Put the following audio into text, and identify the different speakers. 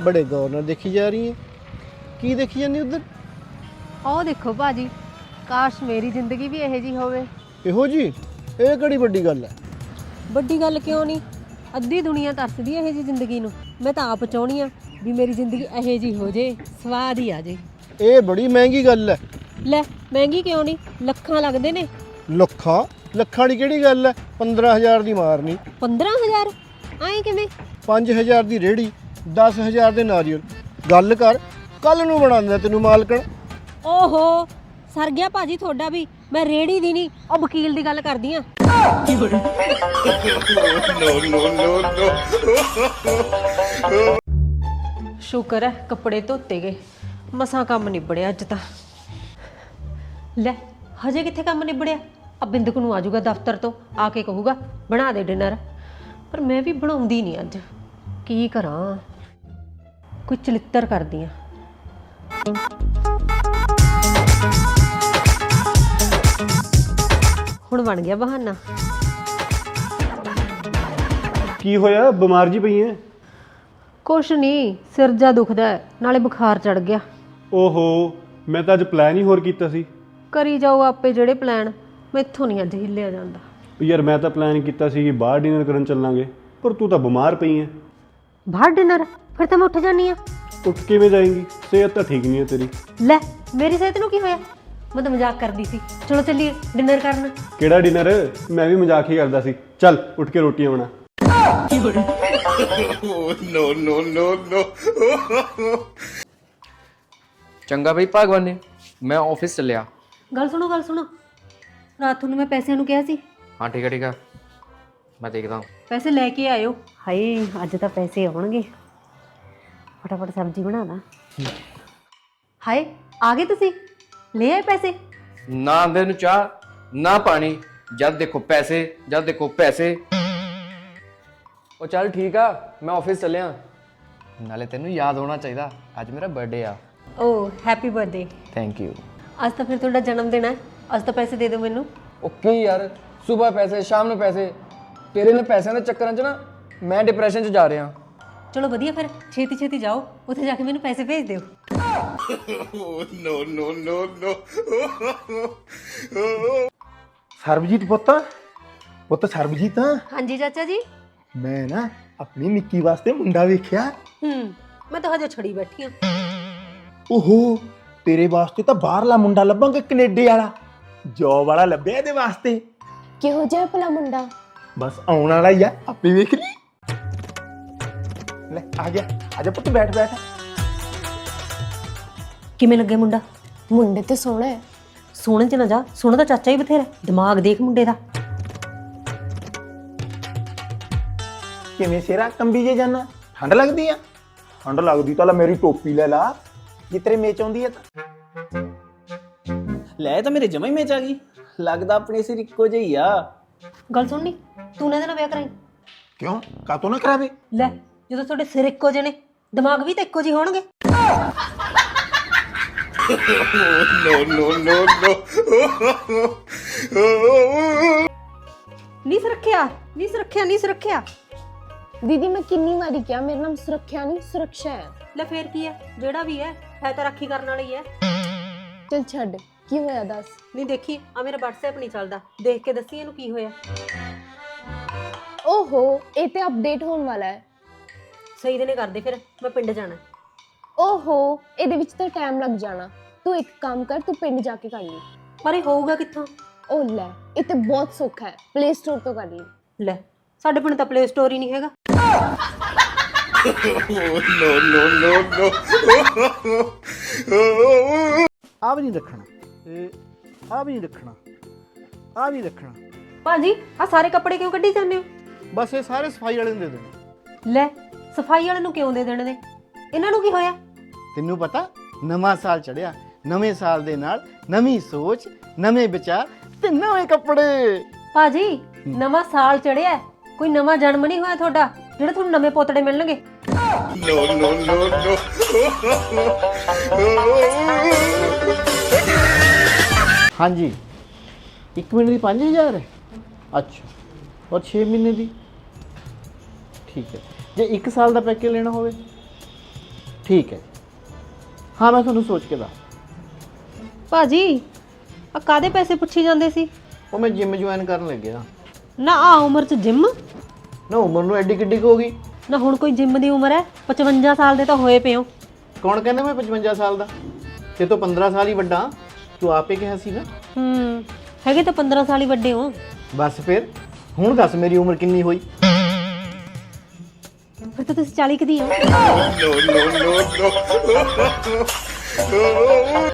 Speaker 1: बड़े गौर नाल देखी जा रही है। की देखी जानी उधर?
Speaker 2: ਉਹ ਦੇਖੋ ਭਾਜੀ, ਕਾਸ਼ ਮੇਰੀ ਜ਼ਿੰਦਗੀ ਵੀ ਇਹੋ ਜਿਹੀ ਹੋਵੇ।
Speaker 1: ਇਹੋ ਜੀ ਇਹ ਕਿਹੜੀ ਵੱਡੀ ਗੱਲ ਹੈ?
Speaker 2: ਵੱਡੀ ਗੱਲ ਕਿਉਂ ਨਹੀਂ, ਅੱਧੀ ਦੁਨੀਆ ਤਰਸਦੀ ਇਹੋ ਜਿਹੀ ਜ਼ਿੰਦਗੀ ਨੂੰ। ਮੈਂ ਤਾਂ ਆਪ ਚਾਹੁੰਦੀ ਆ ਵੀ ਮੇਰੀ ਜ਼ਿੰਦਗੀ ਇਹੋ ਜਿਹੀ ਹੋ ਜੇ, ਸਵਾਦ ਹੀ ਆ ਜੇ।
Speaker 1: ਇਹ ਬੜੀ ਮਹਿੰਗੀ ਗੱਲ ਹੈ।
Speaker 2: ਲੈ ਮਹਿੰਗੀ ਕਿਉਂ ਨਹੀਂ, ਲੱਖਾਂ ਲੱਗਦੇ ਨੇ।
Speaker 1: ਲੱਖਾਂ ਦੀ ਕਿਹੜੀ ਗੱਲ ਹੈ? 15,000 ਦੀ ਮਾਰਨੀ।
Speaker 2: 15,000 ਐਂ ਕਿਵੇਂ?
Speaker 1: 5,000 ਦੀ ਰੇੜੀ, 10,000 ਦੇ ਨਾਰੀਅਲ। ਗੱਲ ਕਰ, ਕੱਲ ਨੂੰ ਬਣਾਉਂਦਾ ਤੈਨੂੰ ਮਾਲਕਣ।
Speaker 2: ਓਹੋ ਸਰ ਗਿਆ ਭਾਜੀ ਤੁਹਾਡਾ ਵੀ। ਮੈਂ ਰੇੜੀ ਦੀ ਨਹੀਂ, ਉਹ ਵਕੀਲ ਦੀ ਗੱਲ ਕਰਦੀ ਆ। ਸ਼ੁਕਰ ਹੈ ਕੱਪੜੇ ਧੋਤੇ ਗਏ, ਮਸਾਂ ਕੰਮ ਨਿਬੜਿਆ ਅੱਜ ਤਾਂ। ਲੈ ਹਜੇ ਕਿੱਥੇ ਕੰਮ ਨਿਬੜਿਆ? ਆ ਬਿੰਦਕ ਨੂੰ ਆਜੂਗਾ ਦਫ਼ਤਰ ਤੋਂ, ਆ ਕੇ ਕਹੂਗਾ ਬਣਾ ਦੇ ਡਿਨਰ, ਪਰ ਮੈਂ ਵੀ ਬਣਾਉਂਦੀ ਨਹੀਂ ਅੱਜ। ਕੀ ਕਰਾਂ, ਕੋਈ ਚਲਿੱਤਰ ਕਰਦੀ ਆ। ਹੁਣ ਬਣ ਗਿਆ ਬਹਾਨਾ।
Speaker 3: ਕੀ ਹੋਇਆ, ਬਿਮਾਰ ਜੀ ਪਈ ਐ?
Speaker 2: ਕੁਛ ਨਹੀਂ, ਸਿਰ ਜਾ ਦੁਖਦਾ ਹੈ, ਨਾਲੇ ਬੁਖਾਰ ਚੜ ਗਿਆ।
Speaker 3: ਓਹੋ, ਮੈਂ ਤਾਂ ਅੱਜ ਪਲਾਨ ਹੀ ਹੋਰ ਕੀਤਾ ਸੀ।
Speaker 2: ਕਰੀ ਜਾਓ ਆਪੇ ਜਿਹੜੇ ਪਲਾਨ, ਮੈਥੋਂ ਨਹੀਂ ਅੱਜ ਹਿੱਲਿਆ ਜਾਂਦਾ।
Speaker 3: ਯਾਰ ਮੈਂ ਤਾਂ ਪਲਾਨ ਕੀਤਾ ਸੀ ਕਿ ਬਾਹਰ ਡਿਨਰ ਕਰਨ ਚੱਲਾਂਗੇ, ਪਰ ਤੂੰ ਤਾਂ ਬਿਮਾਰ ਪਈ ਐ।
Speaker 2: ਬਾਹਰ ਡਿਨਰ? ਫਿਰ ਤਾਂ ਮੈਂ ਉੱਠ ਜਾਨੀ ਆ।
Speaker 3: ਉੱਠ ਕਿਵੇਂ ਜਾਏਂਗੀ? ਸਿਹਤ ਤਾਂ ਠੀਕ ਨਹੀਂ ਹੈ ਤੇਰੀ।
Speaker 2: ਲੈ ਮੇਰੀ ਸਿਹਤ ਨੂੰ ਕੀ ਹੋਇਆ? ਮੈਂ ਤਾਂ ਮਜ਼ਾਕ ਕਰਦੀ ਸੀ। ਚਲੋ ਚੱਲੀਏ ਡਿਨਰ ਕਰਨ।
Speaker 3: ਕਿਹੜਾ ਡਿਨਰ? ਮੈਂ ਵੀ ਮਜ਼ਾਕ ਹੀ ਕਰਦਾ ਸੀ। ਚੱਲ ਉੱਠ ਕੇ ਰੋਟੀਆਂ ਬਣਾ।
Speaker 4: ਚੰਗਾ ਬਈ ਭਗਵਾਨ, ਮੈਂ ਆਫਿਸ ਚੱਲਿਆ।
Speaker 2: ਗੱਲ ਸੁਣੋ, ਰਾਤ ਨੂੰ ਮੈਂ ਪੈਸਿਆਂ ਨੂੰ ਕਿਹਾ ਸੀ।
Speaker 4: ਹਾਂ ਠੀਕ ਹੈ, ਮੈਂ ਦੇਖਦਾ ਹਾਂ।
Speaker 2: ਪੈਸੇ ਲੈ ਕੇ ਆਇਓ। ਹਾਏ ਅੱਜ ਤਾਂ ਪੈਸੇ ਆਉਣਗੇ, ਫਟਾਫਟ ਸਬਜ਼ੀ ਬਣਾ ਦਾਂ। ਹਾਏ ਆ ਗਏ ਤੁਸੀਂ, ਲੈ ਆਏ ਪੈਸੇ?
Speaker 4: ਨਾ ਆਂਦੇ ਨੂੰ ਚਾਹ ਨਾ ਪਾਣੀ, ਜਦ ਦੇਖੋ ਪੈਸੇ, ਜਦ ਦੇਖੋ ਪੈਸੇ। ਉਹ ਚੱਲ ਠੀਕ ਆ, ਮੈਂ ਆਫਿਸ ਚੱਲਿਆ। ਨਾਲੇ ਤੈਨੂੰ ਯਾਦ ਹੋਣਾ ਚਾਹੀਦਾ, ਅੱਜ ਮੇਰਾ ਬਰਥਡੇ ਆ।
Speaker 2: ਓ ਹੈਪੀ ਬਰਥਡੇ।
Speaker 4: Thank you.
Speaker 2: ਅੱਜ ਤਾਂ ਫਿਰ ਤੁਹਾਡਾ ਜਨਮ ਦਿਨ ਹੈ, ਅੱਜ ਤਾਂ ਪੈਸੇ ਦੇ ਦਿਓ ਮੈਨੂੰ।
Speaker 4: ਓਕੇ ਯਾਰ, ਸਵੇਰ ਪੈਸੇ ਸ਼ਾਮ ਨੂੰ ਪੈਸੇ, ਤੇਰੇ ਨੇ ਪੈਸਿਆਂ ਦੇ ਚੱਕਰਾਂ 'ਚ ਨਾ ਮੈਂ ਡਿਪਰੈਸ਼ਨ 'ਚ ਜਾ ਰਿਹਾ।
Speaker 2: ਚਲੋ ਵਧੀਆ, ਫਿਰ ਛੇਤੀ ਛੇਤੀ ਜਾਓ, ਉੱਥੇ ਜਾ ਕੇ ਮੈਨੂੰ ਪੈਸੇ ਭੇਜ ਦਿਓ।
Speaker 1: ਸਰਬਜੀਤ ਪੁੱਤ ਸਰਬਜੀਤ।
Speaker 2: ਹਾਂਜੀ ਚਾਚਾ ਜੀ।
Speaker 1: ਮੈਂ ਨਾ ਆਪਣੀ ਨਿੱਕੀ ਵਾਸਤੇ ਮੁੰਡਾ ਵੇਖਿਆ।
Speaker 2: ਮੈਂ ਤਾਂ ਹਜੇ ਛੜੀ ਬੈਠੀ ਆ।
Speaker 1: ਓਹੋ ਤੇਰੇ ਵਾਸਤੇ ਤਾਂ ਬਾਹਰਲਾ ਮੁੰਡਾ ਲੱਭਾਂਗੇ, ਕੈਨੇਡਾ ਵਾਲਾ, ਜੋਬ ਵਾਲਾ ਲੱਭਿਆ ਇਹਦੇ ਵਾਸਤੇ।
Speaker 5: ਕਿਹੋ ਜਿਹਾ ਭਲਾ ਮੁੰਡਾ?
Speaker 1: ਬਸ ਆਉਣ ਵਾਲਾ ਹੀ ਆ, ਆਪੇ ਵੇਖ ਲਈ। ਲੈ ਆ ਗਿਆ ਪੁੱਤ, ਬੈਠ।
Speaker 2: ਕਿਵੇਂ ਲੱਗੇ ਮੁੰਡਾ?
Speaker 5: ਮੁੰਡੇ ਤੇ ਸੋਹਣਾ ਹੈ।
Speaker 2: ਸੋਹਣੇ ਚ ਨਾ ਜਾ, ਸੋਹਣਾ ਤਾਂ ਚਾਚਾ ਹੀ ਬਥੇਰਾ, ਦਿਮਾਗ ਦੇਖ ਮੁੰਡੇ ਦਾ।
Speaker 1: ਕਿਵੇਂ ਸਿਰਾ ਕੰਬੀ ਜੇ ਜਾਨਾ? ਠੰਡ ਲੱਗਦੀ ਆ? ਠੰਡ ਲੱਗਦੀ ਤਾਂ ਲੈ ਮੇਰੀ ਟੋਪੀ ਲੈ ਲਾ, ਜੇ ਤੇਰੇ ਮੇਚ ਆਉਂਦੀ ਆ ਤਾਂ।
Speaker 6: ਲੈ ਤਾਂ ਮੇਰੇ ਜਮਾ ਹੀ ਮੇਚ ਆ ਗਈ। ਲੱਗਦਾ ਆਪਣੇ ਸਿਰ ਇੱਕੋ ਜਿਹੀ ਆ।
Speaker 2: ਗੱਲ ਸੁਣਨੀ, ਤੂੰ ਨਾ ਇਹਦੇ ਨਾਲ ਵਿਆਹ ਕਰਾਈ।
Speaker 1: ਕਿਉਂ, ਕਾਤੋਂ ਨਾ ਕਰਾਵੇ?
Speaker 2: ਲੈ ਜਦੋਂ ਤੁਹਾਡੇ ਸਿਰ ਇੱਕੋ ਜਿਹੇ ਨੇ, ਦਿਮਾਗ ਵੀ ਤਾਂ ਇੱਕੋ ਜਿਹੇ ਹੋਣਗੇ। ਨਹੀਂ ਸੁਰੱਖਿਆ।
Speaker 5: ਦੀਦੀ ਮੈਂ ਕਿੰਨੀ ਵਾਰੀ ਕਿਹਾ, ਮੇਰਾ ਨਾਮ ਸੁਰੱਖਿਆ ਨਹੀਂ ਸੁਰੱਖਿਆ ਹੈ।
Speaker 2: ਲੈ ਫੇਰ ਕੀ ਹੈ, ਜਿਹੜਾ ਵੀ ਹੈ ਤਾਂ ਰਾਖੀ ਕਰਨ ਵਾਲੀ ਹੈ।
Speaker 5: ਚਲ ਛੱਡ, ਕੀ ਹੋਇਆ ਦੱਸ।
Speaker 2: ਨਹੀਂ ਦੇਖੀ, ਆ ਮੇਰਾ WhatsApp ਨਹੀਂ ਚੱਲਦਾ, ਦੇਖ ਕੇ ਦੱਸੀ ਇਹਨੂੰ ਕੀ ਹੋਇਆ।
Speaker 5: ਓਹੋ ਇਹ ਤੇ ਅਪਡੇਟ ਹੋਣ ਵਾਲਾ ਹੈ।
Speaker 2: ਸਹੀ ਦਿਨੇ ਕਰਦੇ, ਫਿਰ ਮੈਂ ਪਿੰਡ ਜਾਣਾ।
Speaker 5: ਓਹੋ ਇਹਦੇ ਵਿੱਚ ਤਾਂ ਟਾਈਮ ਲੱਗ ਜਾਣਾ। ਤੂੰ ਇੱਕ ਕੰਮ ਕਰ, ਤੂੰ ਪਿੰਡ ਜਾ ਕੇ ਕਰ ਲਈ।
Speaker 2: ਪਰ ਇਹ ਹੋਊਗਾ ਕਿੱਥੋਂ?
Speaker 5: ਓ ਲੈ ਇਹ ਤੇ ਬਹੁਤ ਸੌਖਾ ਹੈ, ਪਲੇ ਸਟੋਰ ਤੋਂ ਕਰ ਲਈ।
Speaker 2: ਲੈ ਸਾਡੇ ਪਿੰਡ ਤਾਂ ਪਲੇ ਸਟੋਰ ਹੀ ਨਹੀਂ ਹੈਗਾ।
Speaker 1: ਆ ਵੀ ਨਹੀਂ ਰੱਖਣਾ, ਆ ਵੀ ਨਹੀਂ ਰੱਖਣਾ, ਆ ਵੀ ਰੱਖਣਾ।
Speaker 2: ਭਾਜੀ ਆ ਸਾਰੇ ਕੱਪੜੇ ਕਿਉਂ ਕੱਢੀ ਜਾਂਦੇ ਹੋ?
Speaker 1: ਬਸ ਇਹ ਸਾਰੇ ਸਫਾਈ ਵਾਲੇ ਨੂੰ ਦੇ ਦੇਣੇ।
Speaker 2: ਲੈ ਸਫਾਈ ਵਾਲੇ ਨੂੰ ਕਿਉਂ ਦੇ ਦੇਣੇ ਨੇ? ਇਹਨਾਂ ਨੂੰ ਕੀ ਹੋਇਆ?
Speaker 1: ਤੈਨੂੰ ਪਤਾ ਨਵਾਂ ਸਾਲ ਚੜਿਆ, ਨਵੇਂ ਸਾਲ ਦੇ ਨਾਲ ਨਵੀਂ ਸੋਚ, ਨਵੇਂ ਵਿਚਾਰ ਤੇ ਨਵੇਂ ਕੱਪੜੇ।
Speaker 2: ਭਾਜੀ ਨਵਾਂ ਸਾਲ ਚੜਿਆ, ਕੋਈ ਨਵਾਂ ਜਨਮ ਨਹੀਂ ਹੋਇਆ ਤੁਹਾਡਾ ਜਿਹੜੇ ਤੁਹਾਨੂੰ ਨਵੇਂ ਪੋਤੜੇ ਮਿਲਣਗੇ।
Speaker 1: ਹਾਂਜੀ 1 ਮਹੀਨੇ ਦੀ 5000 ਹੈ। ਅੱਛਾ और 6 महीने ਦੀ? ठीक है। ਜੇ 1 ਸਾਲ ਦਾ ਪੈਕੇਜ ਲੈਣਾ ਹੋਵੇ
Speaker 6: ਠੀਕ ਹੈ। ਹਾਂ ਮੈਂ ਤੁਹਾਨੂੰ ਸੋਚ ਕੇ ਦੱਸ।
Speaker 2: ਭਾਜੀ ਆ ਕਾਦੇ ਪੈਸੇ ਪੁੱਛੀ ਜਾਂਦੇ ਸੀ?
Speaker 6: ਉਹ ਮੈਂ ਜਿਮ ਜੁਆਇਨ ਕਰਨ ਲੱਗਿਆ।
Speaker 2: ਨਾ ਆ ਉਮਰ 'ਚ ਜਿਮ?
Speaker 6: ਨਾ ਉਮਰ ਨੂੰ ਐਡੀ ਕਿੱਡੀ ਕੁ ਹੋ ਗਈ?
Speaker 2: ਨਾ ਹੁਣ ਕੋਈ ਜਿਮ ਦੀ ਉਮਰ ਹੈ? 55 ਸਾਲ ਦੇ ਤਾਂ ਹੋਏ ਪਏ ਹੋ।
Speaker 6: ਕੌਣ ਕਹਿੰਦਾ ਮੈਂ 55 ਸਾਲ ਦਾ? ਤੇ ਤੋਂ 15 ਸਾਲ ਹੀ ਵੱਡਾ। ਤੂੰ ਆਪੇ ਕਿਹਾ ਸੀ ਨਾ।
Speaker 2: ਹੈਗੇ ਤਾਂ 15 ਸਾਲ ਹੀ ਵੱਡੇ ਹੋ।
Speaker 6: ਬਸ ਫਿਰ ਹੁਣ ਦੱਸ ਮੇਰੀ ਉਮਰ ਕਿੰਨੀ ਹੋਈ?
Speaker 2: ਫਿਰ ਤਾਂ ਤੁਸੀਂ 40 ਕੁ ਦੀ ਹੋ।